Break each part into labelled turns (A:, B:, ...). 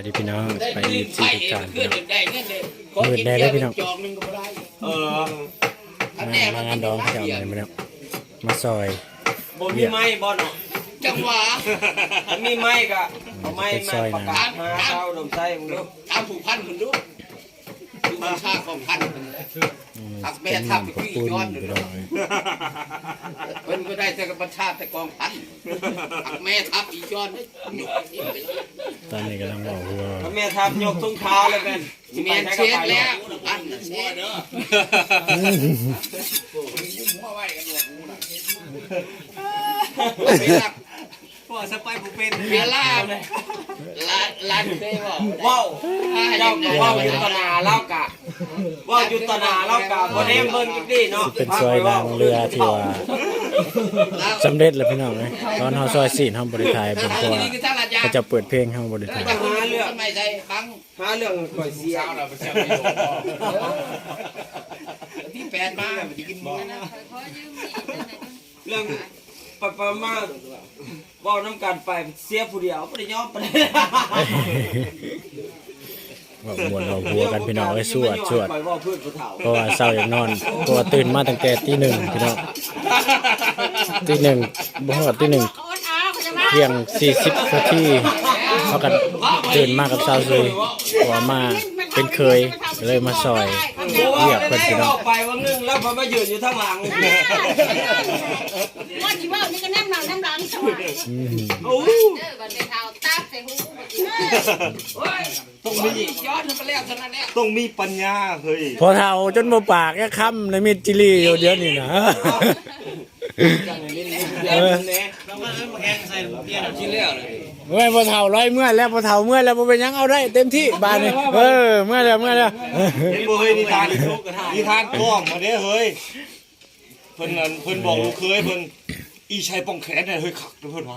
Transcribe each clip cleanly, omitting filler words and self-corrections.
A: ดีพี่น้องไปที่ทุกการ
B: เพื่อนได้เงินเลย
A: มืดแน่ได้พี่น้อง
B: จองนึงก็ได้
A: มางานดองเจ้าอะไรมาแล้วมาซอย
C: บ่มีไม้บ่เนาะ
B: จังหวะ
C: ถ้ามีไม้ก็เอาไม้มาประกาศหาเช้าดมไส้มึงดู
B: ตามผูกพันคุณดูดูมันค่าของพันทักแม่ทับไปขี้ย้อนเลยเพิ่นก็ได้แต่กับประชาแต่กองพันทักแม่ทับอีย้อนได้
A: ตอนนี้กำลังบอกว่า
C: ถ้าแม่ทำยกทุ่งเท้าเลยเป็น
B: เมียนเช็ดแล้วพันเช็ดเด้อยุ่งหัวไว้กันหนวกหูน่ะไปรัก
C: พ่อสไปผู้เป็น
B: เวลาลานเคยบอก
C: ว้าวเจ้าว้าวอยู่ตนาเล่ากะว้าวอยู่ตนาเล่ากะบ่ได้เบิ่งจักดีเนาะ
A: เป็นซอยนางเรือที่ว่าสำเร็จแล้วพี่น้องเลยตอนเฮาซอยสี่เฮาบริไทยเป็นเพราะว่าเขาจะเปิดเพลงเฮาบริไทย
B: จะหาเรื่องไม่ใช่ครั้ง
C: หาเรื่องก่อยเสีย
B: ที่แปดมาไปกินหมูนะ
C: เรื่องประมาณว้าวน้ำกันไปเสียผู้เดียวบ่ได้ยอมปานใด
A: บอกมวนเราหัวกันพี่น้องไอ้สวด
C: ไปว่าเพื่อนผู้เฒ่า
A: เพราะว่าเศร้าอย่างนอนเพราะว่าตื่นมาตั้งแต่ตีหนึ่งพี่น้องตีหนึ่งบ่ฮอดตีหนึ่งเที่ยง40 นาทีเขากันตื่นมากับสาวซุยเพราะว่ามาเป็นเคยเลยมาซอยเรียกเพิ่นพี่น้อง
C: ไปวันนึงแล้วพอมายืนอยู่ทางหลัง
D: ว่าที่ว่านี่ก็น้ำหลังใช่ไหม
C: โอ้
D: บันเดเท้าตาใส่หู
B: ต้องมีย้อนไปแล้วเท่านั้นแหละ
E: ต้องมีปัญญาเฮ้ย
A: พอเฒ่าจนบ่ปากแค่คำในมิดจิลีอยู่เดี๋ยวนี้นะ
B: ที่แล้วเลย
A: เมื่อพอเฒ่าร้อยเมื่อยแล้วพอเฒ่าเมื่อยแล้วบ่เป็นหยังเอาได้เต็มที่บาดนี้เมื่อยแล้ว
E: เห็นบ่เฮ้ยนิทานกล้องมาเด้เฮ้ยเพิ่นนั่นเพิ่นบอกลูกเคยเพิ่นอีชัยป้องแขนเนี่ยเฮ้ยขักเพิ่นว่า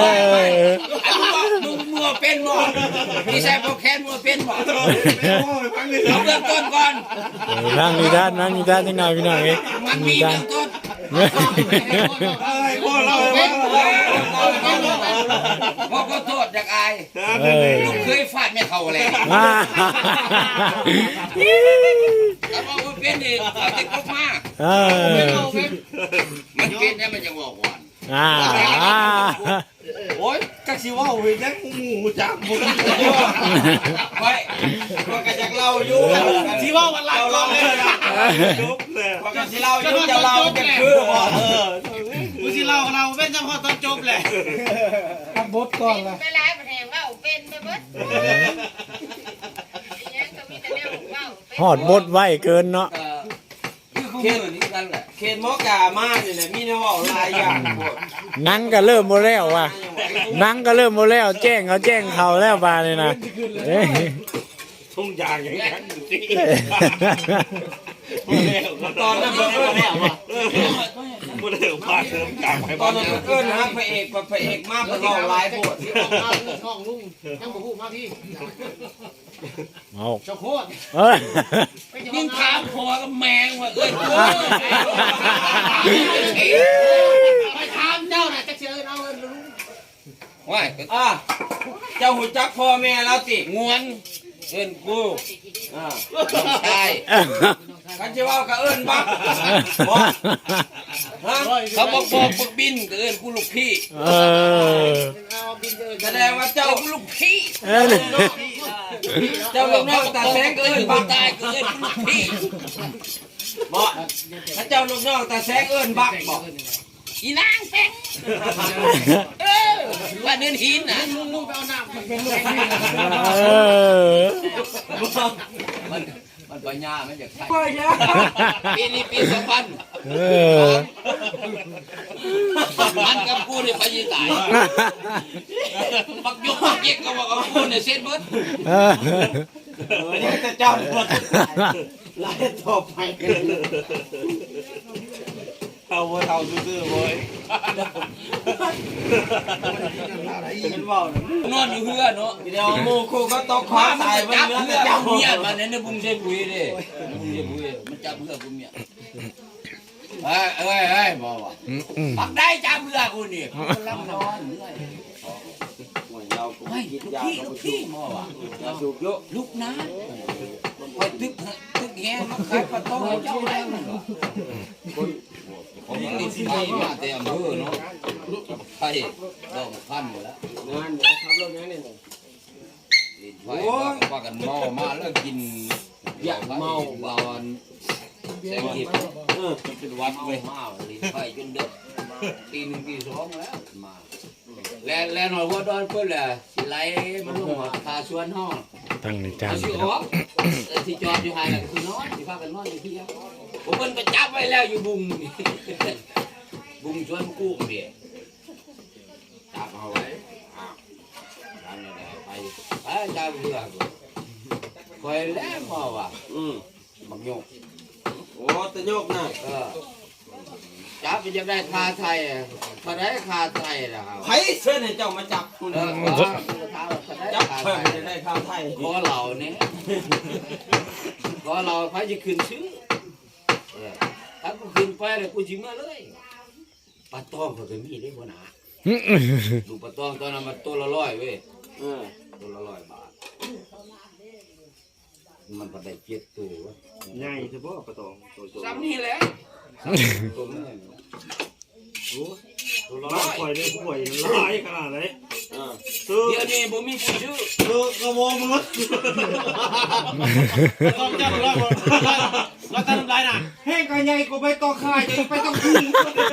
B: มึงมัวเป็นบ่พี่ชายพวกแค้นมัวเป็นบ่
E: ฟังเลย
B: เอาเริ่มต้นก่อน
A: นั่งนิทานจังหน่อยพี่น้องเอ้ย
B: มันมีเริ่มต้น
E: พ่อเรา
B: พ่อก็โทษจากอาย ลูกเคยฟาดไม่เข้าเลย
A: อ่า
B: แล้วพอเป็นอีกเอาติดคุกมา มันเป็นเนี่ยมันจะบอกก่อน
E: โอ้ยจักสิว่าเฮ้ยยังหมูจักบ่
C: ไว้ก็กะจักเล่าอยู่ที่ว่าวันเราเล่าเลยนะ
E: จบแล้ว
C: ก็สิเล่าอยู่จะเล่าจะคือบ่
F: กูสิเราเป็นจังหวะตอนจบแหละ
D: ไปไล่ประเทศว่าเป็นไปเบิดยังก็มีแต่แนวว่า
A: หอดบดไว้เกินเนาะ
B: เขตนี้กันแหละ
C: เขตมอกามานี่แหละมีแนวเว้าหลายอย่างโพด
A: นังก็เริ่มบ่แล้วว่ะนังก็เริ่มบ่แล้วแจ้งเขาแล้วบาดนี่นะเอ้ย
E: ทุ่งยางอย่างนั้นอยู่ที่
C: ตอนนั้นเพิ่นแล้วว่ะ
E: บ่ได้พาเสริมกลางไป
C: ตอนนั้นเอิ้นหาพระเอกมาเพิ่นเว้าหลายโพด
F: ห้องลุงยังบ่ฮู้มาพี่
A: เอา
F: เจ้าโคตร
A: เอ้ย
B: ยิ่งถามพอกับแมงว่าเอ้ย
F: ไปถามเจ้าน่ะจะเชิญเอาลุง
B: ว่า
C: เจ้าหูจักพ่อแม่แล้วติ
B: งวนเอิ้นกูใช่
C: กันสิเว้าก็เอิ้นบักบ่ฮะ
B: เขาบอกปกบินเอิ้นกูลูกพี่
C: แสดงว่าเจ้า
B: ลูกพี่
C: เจ้าลูกน้องตาแสงก็
B: เอิ้
C: เอิ้
B: น
C: น
B: กู
C: บัก
B: ตายเอิ้นกูลูกพี่
C: บ่ถ้าเจ้าลูกน้องตาแสงเอิ้นบักบ่
B: อีนางแสงว่าเดินหินน่ะ
F: ลุงไปเอาน้ำมันเป็นลูก
B: มันปัญญามันอยากใช้
C: บ่ยา
B: ปีนี้ปี2000มันกับกูเนี่ยไปยิงตายบักยกบักเย็กก็บอกเอากูเนี่ยเซ็ตเบิด
C: นี่จะเจ้าบ่หลายต่อไปกัน
E: เอาบ่เท่าซื่อๆเว้ย
C: เป็นเว้าน
B: อนอยู่เฮือเนาะ
C: เดี๋ยวหมู่คู่ก็ตกขวา
B: มัน
C: ตาย
B: จับ
C: เบิ่ง
B: เฮือ
C: เจ้า
B: เมียมันเนี่ยบุ้งเซ็ตปุยเด้บุ้งเซ็ตปุยมันจับเฮือกูเมียเฮ้ยบอกว่าปักได้จับเฮือกูนี่ลำนอน
C: เรา
B: ฮไม่ทุกที่หมอว่ะ
C: สูบเยอะ
B: ลูกนะไปตึกแง่มาขายปลาตองให้เจ้าได้มันเหรอผมติดไฟมาแต่อำเภอเนาะไฟดอกพันหมดแล้ว
C: งานเดี๋ยวขับรถยังนี่
B: ลิ้นไฟว่ากันเมามาแล้วกินอยากเมาบอนแสงทิพย์เป็นวัดเว้ยมาลิ้นไฟจนเด็กตี 1 ตี 2แล้วมาแล้วหน่อยว่าดอนเพิ่นแหละสิไหลมันลงมาพาสวนห้อง
A: ตั้งในจา
B: เอา
A: น
B: สิออกที่จอดอยู่ห่างกันคือนอนที่พากันนอนอยู่ที่ครับผมเพิ่นไปจับไว้แล้วอยู่บุงนี่บุงสวนกุ้งนี่จับเอาไว้อ้าวทำยังไงไปจับเรือคอยแล้วพอว่ะบักโยก
C: โอ้ตะโยกน่ะ
B: จับไปจะได้คาไทยมาได้คาไทยนะครับ
C: ไผเชิญให้เจ้ามาจับคุณ
B: จั
C: จั
B: บบ
C: เพิ่
B: เพิ่
C: น
B: ม
C: จะได้ข้าวไทย
B: ขอเราเนี่ยขอเราพายจะขึ้นซื้อถ้ากูขึ้นไปเลยกูจิ้มมาเลยปลาตองเขาจะมีได้หัวหน้าดูปลาตองตอนนั้นมันตัวละ100เว้ยตัวละ100 บาทมันก็ได้7 ตัว
E: ใหญ่เฉพาะปลาตองตัว
B: ซ้ำนี่แหละตัวนี้ตัวละ
E: บ้านคอย
B: 100
E: ได้ป่วยหลายขนาดไหนซื้อ
B: เดี๋ยวนี้ผมมีผู้ชื่อ
E: กระโวงมืด
F: ต้องจับเราทำไรน่ะ
C: แห้งก็ใหญ่ก็ไปต่อค่ายไปต้องกิน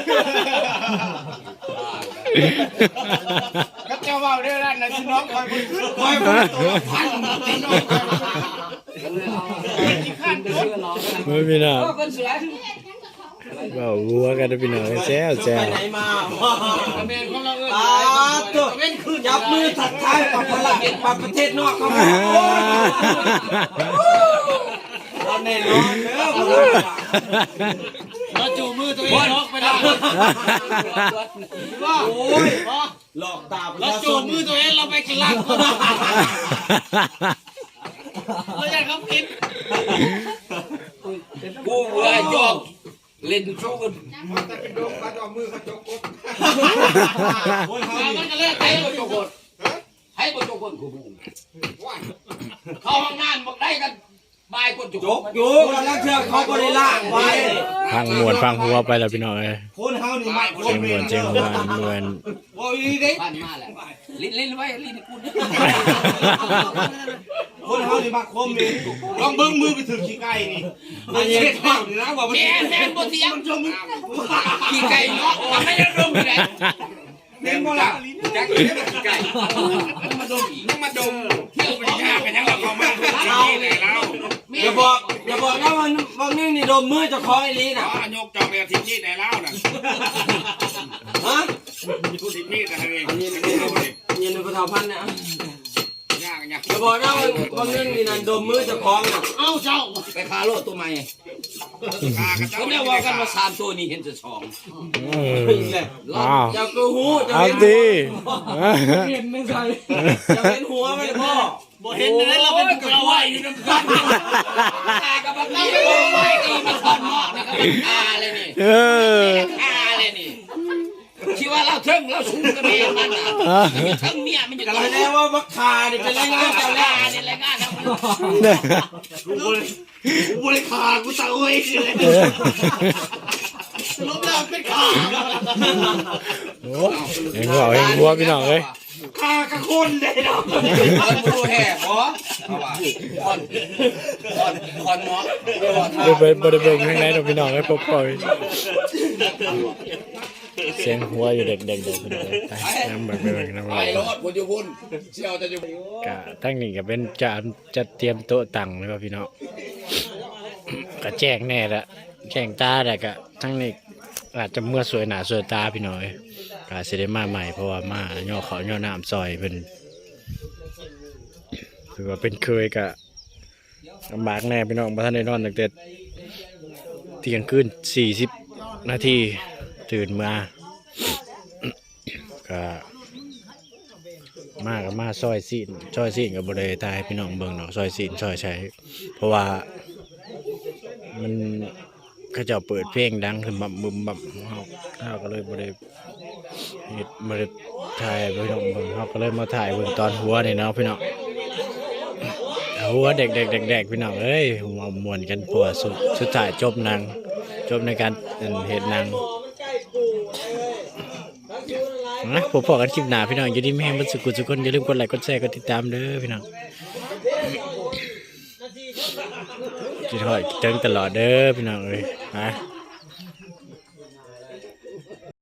F: ก็เจ้าว่าเรื่องนั้นนะพี่น้องคอยคนขึ้น
C: คอยไปตัวพันพี่น้อง
B: ก็เลยเอาขึ้นไปเชื่อเรา
A: ไม่พี่น้อง
B: คนสวย
A: เว้าวัวกันเด้อพี่น้องแซวแซ
C: ไป
A: ว
C: ไหนมา
F: เมนของเราเออ
C: ตาตัวจับมือถัดท้ายกับพลังเอกประเทศนอกเข้ามาเราแน่นอนเด้อ
F: เราจูมือตัวเองล็อกไปแล้ว
C: โอ้ยหลอกตาประ
F: เรา
C: ชาช
F: จู
C: น
F: มือตัวเองเราไปกินเหล้าเราอยากเขากิน
B: กูเบื่อยอกเล่นชู้กัน
F: มันก็เลิกไป
B: ให้ประจกคนให้ประจกคนกูบูเข้าห้องน้ำบอกได้กันบายคนจก
C: ยกอยู่แล้วเชื่อเขาบริล่างไว้
A: พังมวนพังหัวไปแล้วพี่น้องเอ้ย
E: คนเฮานี่ไม่ค
A: เจีย
E: น
A: งม
E: เม
A: วน
E: น
A: เจียงมวนมวน
E: โอ้ยเด้
B: บ้านมาแหละลิ้นไว้ลิ้นกู
E: คนเฮานี่มาคมเมนลองเบิ้งมือไปถึงขี้ไก่นี่มันเช็ดบ้างนี่นะว่ามัน
B: แม่บนเตียงชมกี่ไก่เนาะไม่ได้ดมเลย
E: เน้นบ่ล่ะ
B: จักกี่ไก่มาดมมาดมเที่ยวไปยากกันยังเราเข้ามาที่นี่เลยแล้ว
C: อย่าบอกนะว่านี่นี่ดมมือเจ้าของไอ้ลีน่ะ
B: ยกจอกไปที่นี่ได้แล้วนะ
C: ฮะ
B: ทุกที่นี่แต่เอง
C: อันนี้นี่ในประทาพันธ์เนี่ย
B: ยากยาก
C: อย่าบอกนะว่านี่นี่นั่นดมมือเจ้าของน่ะ
F: เอาเจ้า
B: ไปคาโลตัวใหม่เขาเนี่ยว่ากันว่า3 ตัวนี้เห็นจะ2
A: อ้าว
C: เจ้าก็หูเจ้า
A: เอา
C: เห็น
A: ดิ
C: เห็นไม่ใช่เจ้าเห็นหัวไหมพ่อ
F: บ่เห็นเลยเราเป็นผู้เราไหวอยู่น้ำกัน
B: กับบักนี่โอ้ยนี่มันทอนหม้อนี่ก็เป็นคาเลยนี่
A: เออ
B: คาเลยนี่คิดว่าเราเทิงเราสูงกันเองมันอ่ะเทิงเนี่ยมันอยู่
C: แต่
B: ตรง
C: แล้
B: นี้
C: วว่ามักคานี่เป็นไรงานเจ้าแล้ว
B: นี่รายงานเรา
E: กูบริขากูตะโอ้ยเลย
F: ลบแล้วเป็นขา
A: โอ้เห็นหัวเห็นหัวพี่น้องเอ้ย
E: ขากระคนเลยเนาะ
B: คนดูแห่พอเอาว่าคนหมอ
A: บ่ได้เบิ่งข้างในดอกพี่น้องเอ้ยปล่อยเสียงหัวอยู่เด็กๆพี่น้องเอ้ยไปน้ำเบิ่งน้ำ
B: ไป
A: ลาย
B: รถคนอยู่พุ่นเชี่ยวจะอยู่
A: ก็ทั้งนี้ก็เป็นจะเตรียมโต๊ะตั้งเลยว่าพี่น้องก็แจ้งแน่ละแจ้งตาแต่ก็ทั้งนี้อาจจะเมื่อสวยหนาสวยตาพี่น้อยก็สิได้มาใหม่เพราะว่ามาย่อเขาย่อน้ำซอยเพิ่นคือว่าเป็นเคยก็ลำบากแน่พี่น้องบ่ทันได้นอนตั้งแต่เที่ยงคืน40 นาทีตื่นมาก็มาซอยซีนกับบริษัทให้พี่น้องเบิ่งเนาะซอยซีนซอยใช้เพราะว่ามันเขาเจ้าเปิดเพลงดังขึ้นบับบึมบับเฮาก็เลยบริเฮ็ดบริถ่ายพี่น้องเบิ่งเขาก็เลยมาถ่ายเบิ่งตอนหัวนี่เนาะพี่น้องหัวเด็กพี่น้องเอ้ยมามวนกันปัวสุดท้ายจบในการเห็นหนังนะผมพอกันคลิปหน้าพี่น้องอยู่ดีไม่แห้งบันสุกุสุคนอย่าลืมกดไลค์กดแชร์กดติดตามเด้อพี่น้องจิตหอยเติงตลอดเด้อพี่น้องเอ้ยนะ